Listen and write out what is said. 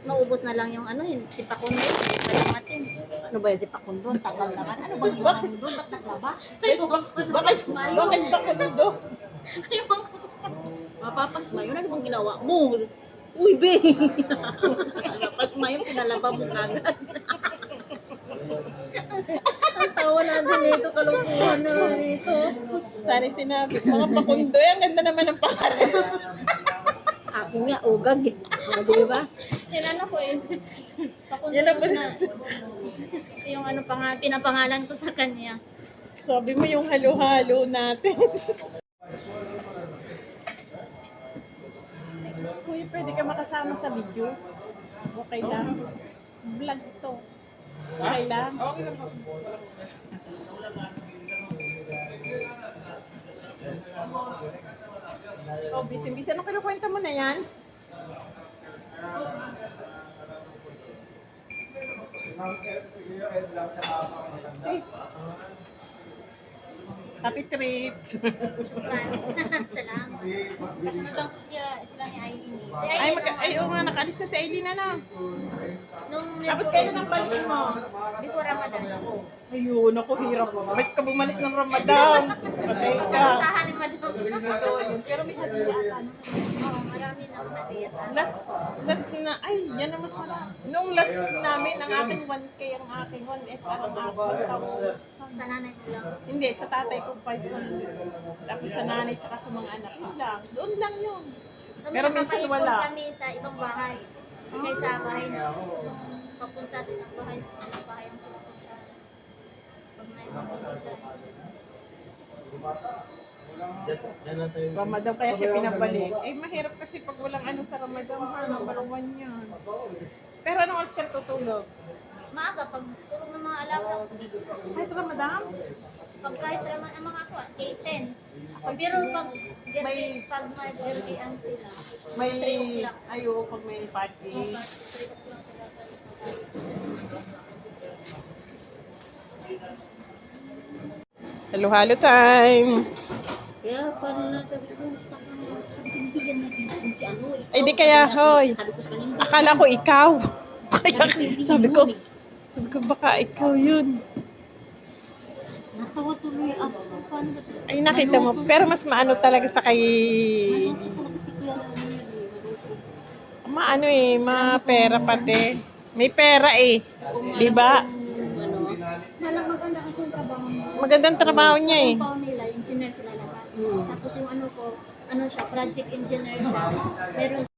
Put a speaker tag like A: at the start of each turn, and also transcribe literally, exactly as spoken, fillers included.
A: maubos na lang yung ano, yung si Pakundo, hindi pa dumating.
B: Ano ba yan si Pakundo? Tagal naman. Ano bang ginawa mo doon? Ba't naglaba?
A: Ewan ko na.
B: Bakit? Bakit Pakundo?
A: Ewan ko.
B: Mapapasmayo. Ano bang ginawa mo? Uy, be! Mapapasmayo, pinalaba mo kagad. Ang tawa natin dito, kalukuhan na dito.
C: Sana sinabi, mga Pakundo, ang ganda naman ng pangalan.
B: Akin nga, ugag eh. O, di ba?
A: Yan ano ko eh. Pakundo
C: Yan ang
A: na. Yung ano pa nga, pinapangalan ko sa kanya.
C: Sabi mo yung halo-halo natin. Uy, pwede ka makasama sa video. Okay lang. Vlog to. Okay lang. Okay lang. Oh, busy-busy. Ano kinukwenta mo na yan? Sis. Happy trip.
A: Salamat.
B: Kasunod ko sila, sila ni Aileen eh.
A: Si
C: Ay,
A: Aileen,
C: mag-
A: nung
C: ay,
A: ano,
C: oo nga, nakalis na si Aileen na na.
A: nung
C: Tapos kailan ang balik mo?
A: before Ramadan.
C: Ayun, ako hirap. Ba't ka bumalik ng Ramadan? Patay ka.
A: Magkasahan ni Madam.
C: Pero may hadiah ka.
A: Oo, marami na mga hadiah sa akin.
C: Last, last na, ay, yan ang masarap. Nung last namin, ang aking one K, ang aking one S R, ang aking
A: Sa nanay ko lang.
C: Hindi, sa tatay ko five hundred. Tapos sa nanay, tsaka sa mga anak. Yun lang. Doon lang yun.
A: Kami
C: Pero minsan
A: nakakaipon
C: wala.
A: kami sa ibang bahay. Kaya sa bahay na papunta sa isang bahay, sa bahay ang pupunta. Pag may mapunta.
C: Ramadan kaya siya pinabalik. Eh, mahirap kasi pag walang ano sa Ramadan, ha, number one yan. Pero anong oras ka tutulog?
A: Maaga, pag tulog ng mga alaga,
C: Kahit Ramadan?
A: pag kahit naman ang mga ako, eight ten. Pero pag
C: May-
A: pag may birthdayan sila,
C: May,
A: three o'clock.
C: ayo, pag may party.
A: Pag three o'clock sila
C: Halo-halo time!
B: Kaya paano na sabi ko, sabi ko, hindi yan naging si ano eh.
C: Ay, di kaya, hoy.
B: Sabi ko sa kanya, hindi.
C: Akala ko ikaw. Kaya,
B: Sabi ko, hindi
C: sabi
B: yun
C: ko,
B: eh.
C: sabi ko baka ikaw yun.
B: Natawa tuloy ako. Paano ba ito?
C: Ay, nakita mo. Pero mas maano talaga sa kay...
B: Ano talaga si Kuya lang yun eh. Maluto.
C: Maano eh, ma-pera pati. May pera eh. Di ba?
B: Ano?
A: Malang maganda kasi yung trabaho mo.
C: Magandang trabaho niya eh.
A: Sa compound nila, engineer sila lahat.
B: Hmm.
A: Tapos yung ano ko, ano siya, project engineer siya. Meron